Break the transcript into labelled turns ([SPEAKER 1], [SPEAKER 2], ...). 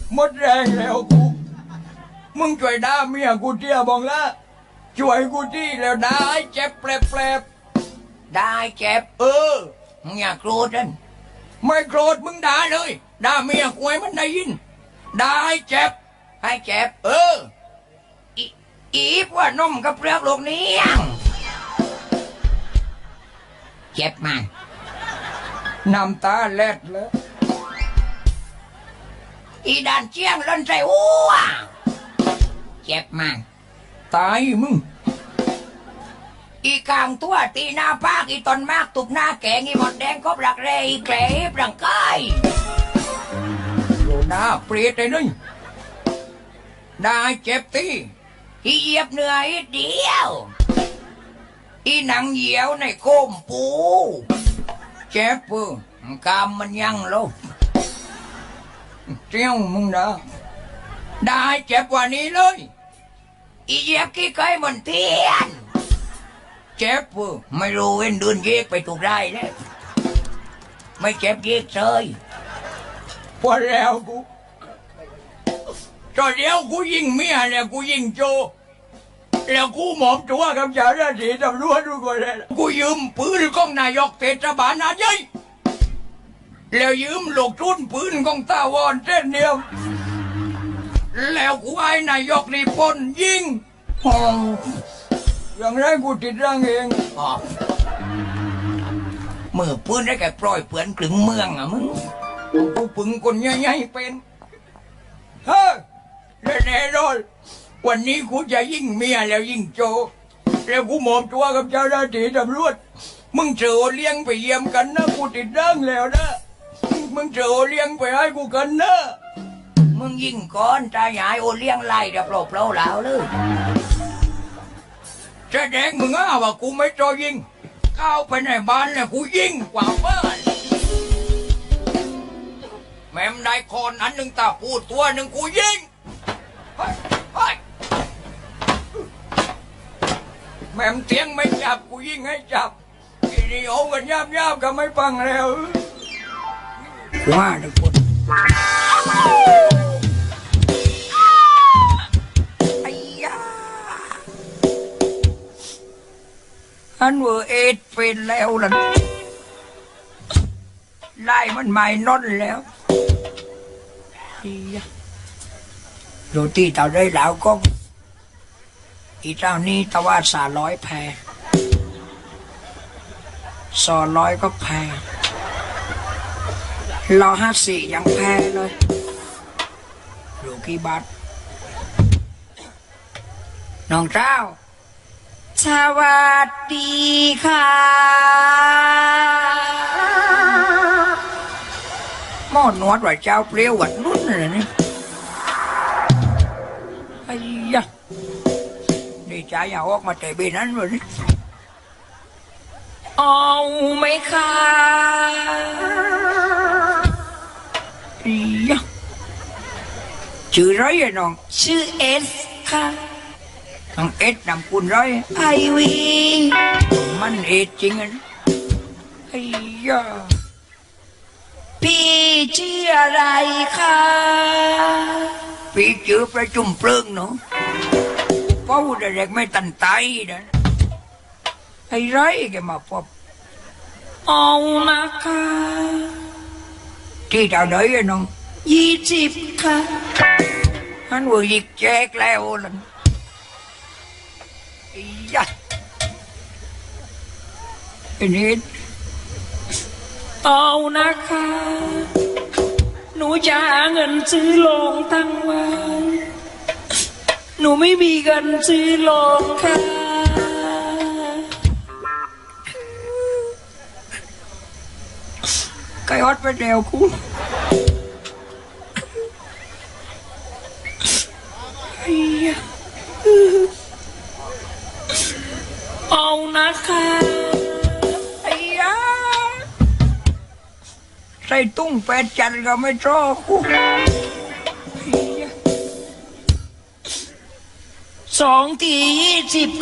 [SPEAKER 1] หมดแรงแล้วกูมึงช่วยด่าเมียกูเที่ยบองละช่วยกูที่แล้วได้เจ็บแปลบได้เจ็บมึงอย่าโกรธนั่นไม่โกรธมึงด่าเลยด่าเมียกูให้มันได้ยินได้เจ็บให้เจ็บอีกว่านมกับเปลือกโลกนี้เจ็บมากน้ำตาเล็ดเลยอีด่านเจียงล่นใจอ้วเจ็บมากตายมึงอีกลางตัวตีหน้าปากอีตอนมากตุบหน้าแกงอีหมดแดงก็ปลักเรอีแกลบร่างกายโยหน้าเปรียดเลยนึงได้เจ็บตีอีเหยียบเหนื่อยเดียวอีหนังเหี่ยวในโคมปูเจ็บปื้กามมันยังลบเจ้ามึงนะได้เจ็บกว่านี้เลยอีเหยียบขี้ไก่มันเทียนเจ็บปื้ไม่รู้เว้นเดินเยกไปถูกได้แล้วไม่เจ็บเยกเลยพอแล้วกูตอนเดียวกูยิงเมียแล้วกูยิงโจแล้วกูหมอบตัวกับเจ้าหน้าที่ตำรวจทุกคนเลยกูยืมปืนของนายกเทศบาลนาใหญ่แล้วยืมลูกทุนปืนของตาวอนเส้นเดียวแล้วกูให้นายกนี่ปนยิงอย่างไรกูติดร่างเองมือปืนได้แก่ปล่อยเปลือนกลึงเมืองอ่ะมึงกูปึงคนใหญ่ๆเป็นเฮ้ยแน่นอนวันนี้กูจะยิงเมียแล้วยิงโจแล้วกูหมอบตัวกับเจ้าหน้าที่ตำรวจมึงเจอเลี้ยงไปเยี่ยมกันนะกูติดร่างแล้วนะมึงเจอเลี้ยงไปให้กูกันนะมึงยิงก่อนตาใหญ่โอเลี้ยงไล่เดี๋ยวเปล่าแล้วเลยแสดงมึงว่ากูไม่จอยิงเข้าไปในบ้านแล้วกูยิงกว่าบ้านแม่มได้คนอันหนึ่งตาพูดตัวหนึ่งกูยิงแม่มเตียงไม่จับกูยิงให้จับทีนี้โอ้กันยาบก็ไม่ฟังแล้วว่าทุกคนไอ้ยาอันเวอร์เอ็ดเป็นแล้วล่ะไล่มันไม่นอนแล้วโรตีเต่าได้แล้วก็อีเจ้านี่ตะว่า300แพ200ก็แพ150ยังแพเลยดูกี่บาทน้องเจ้าสวัสดีค่ะหม้อนวดว่าเจ้าเปรี้ยวหวานนุ่นเลยนี่ไอ้ยะดีใจอย่าออกมาแต่เบนั้นเลยนี่เอาไหมคะอียะชื่อไรอะน้องชื่อเอสค่ะน้องเอสนำคุณไรไอวีมันเอสจริงอ่ะไอ้ยะพี่ชื่ออะไรคะพี่ชื่อประจุมเพลิงเนาะเป้าเด็กไม่ตันไตนะไอ้ไรแกมาพบเอานะคะที่ดาวเดย์น้อง20ค่ะฮันวัวยิกแจกแล้วล่ะยะไอ้นี่เอานะคะหนูจะหาเงินซื้อโรงตั้งไว้หนูไม่มีเงินซื้อโรงค่ะไก่อดไปเดียวกูเอานะคะไอ้ยาใส่ตุ้งแปดจันก็ไม่ชอบกู2 ที 20